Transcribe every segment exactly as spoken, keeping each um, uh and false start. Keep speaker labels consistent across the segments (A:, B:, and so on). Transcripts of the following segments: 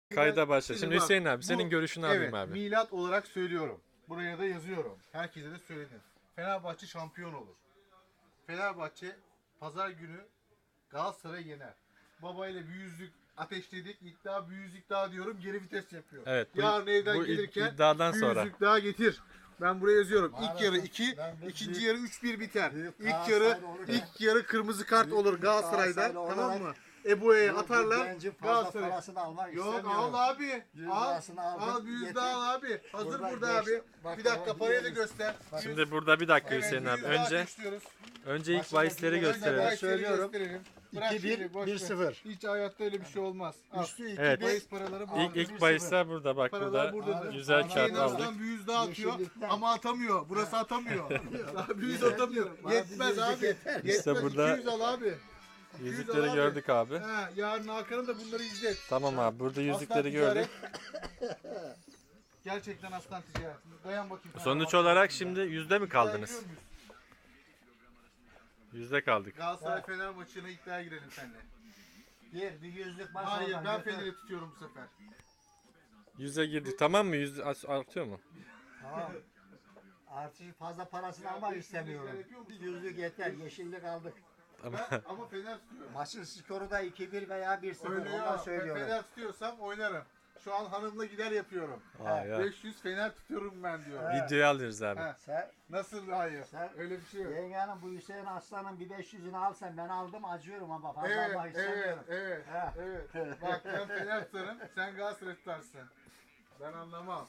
A: Kayda başla. Şimdi
B: bak,
A: Hüseyin abi
B: bu-
A: senin görüşünü
B: evet,
A: alayım abi.
B: milat olarak söylüyorum. Buraya da yazıyorum. Herkese de söyledim. Fenerbahçe şampiyon olur. Fenerbahçe pazar günü Galatasaray yener. Babayla bir yüzlük ateşledik. İddia bir yüzlük daha diyorum. Geri vites yapıyor.
A: Evet, bu-
B: Yarın evden
A: bu id-
B: gelirken
A: iddiadan
B: bir
A: sonra.
B: yüzlük daha getir. Ben buraya yazıyorum. İlk
C: Maalesef
B: yarı iki,
C: ben bir
B: ikinci
C: büyük-
B: yarı üç bir biter.
C: büyük
B: İlk
C: Galatasaraylı
B: yarı
C: olurken-
B: ilk yarı kırmızı kart
C: Büyük
B: olur
C: bir
B: Galatasaray'dan.
C: Galatasaraylı
B: Tamam
C: olarak
B: mı? Ebu'ya
C: Bu- bu
B: atarlar.
C: gencin fazla
B: Galatasaray.
C: parasını almak
B: Yok
C: istemiyorum.
B: al abi.
C: Yüz
B: Al.
C: lirasını aldım,
B: Al bir yüz
C: yeter.
B: daha al abi. Hazır
C: Burada
B: burada
C: beş-
B: abi.
C: bak
B: Bir dakika
C: ama
B: parayı da
C: yüz-
B: göster. Yüz-
A: Şimdi burada bir dakika
B: Evet,
A: Hüseyin
B: bir
A: abi.
B: yüz daha
A: Önce
B: ateşliyoruz.
A: önce ilk
C: Başındaki
A: bahisleri
C: bir-
A: gösterelim.
C: Ben söylüyorum.
B: Bırak
C: iki bir,
B: şimdi, boş
C: bir
B: ver.
C: sıfır.
B: Hiç hayatta öyle bir şey olmaz. Al.
C: Üstü iki
A: Evet.
C: bir.
B: Bahis paraları
A: İlk
B: burada.
A: ilk bahisler burada bak
B: Paralar
A: burada.
B: buradadır.
A: Güzel
C: Abi,
A: kağıt
B: En
A: aldık.
B: azından bir yüz daha atıyor
C: Yeşillikten.
B: ama atamıyor. Burası atamıyor. Daha bir yüz
C: Yeter
B: atamıyor.
C: diyorum. Bana
B: Yetmez
C: bir yüzlük
B: abi.
C: yeter.
B: Yetmez.
A: İşte burada-
B: iki yüz al abi.
A: Yüzükleri gördük abi.
B: Ha, yarın Hakan'ın da bunları izlet.
A: Tamam abi burada yüzükleri
B: Aslan
A: gördük.
B: ticaret. Gerçekten aslan ticaret. Dayan bakayım. sana.
A: Sonuç
B: Bak-
A: olarak şimdi yüzde mi
B: İddiaya
A: kaldınız?
B: giriyor muyuz?
A: Yüzde kaldık.
B: Galatasaray Fener maçına iddiaya girelim seninle.
C: Gir bir yüzlük maç
B: Hayır
C: oradan
B: ben
C: götür.
B: Fener'i tutuyorum bu sefer.
A: Yüze girdik. Tamam mı? Yüz artıyor mu?
C: Tamam. Artık fazla parasını almak istemiyorum. Bir yüzlük yeter. Yeşillik aldık.
A: Tamam.
B: Ben, ama Fener tutuyorum.
C: Maçın skoru da iki bir veya bir sıfır.
B: Öyle
C: Ondan
B: ya.
C: söylüyorum.
B: Fener tutuyorsam oynarım. Şu an hanımla gider yapıyorum.
A: Aa, ya.
B: beş yüz Fener tutuyorum ben diyor.
C: Evet.
A: Videoyu alıyoruz abi.
B: Ha,
C: Sen
B: nasıl hayır?
C: Sen-
B: Öyle bir şey yok.
C: yengenin bu Hüseyin Aslan'ın bir beş yüzünü alsan ben aldım acıyorum ama fazla
B: Evet,
C: almak
B: evet,
C: istemiyorum.
B: evet,
C: Ha.
B: evet. Bak ben Fener tutarım, sen Galatasaray tutarsın. Ben anlamam.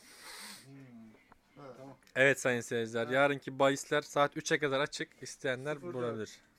A: Evet sayın seyirciler. Yarınki bahisler saat üçe kadar açık. İsteyenler
B: Sıfır dört.
A: bulabilir.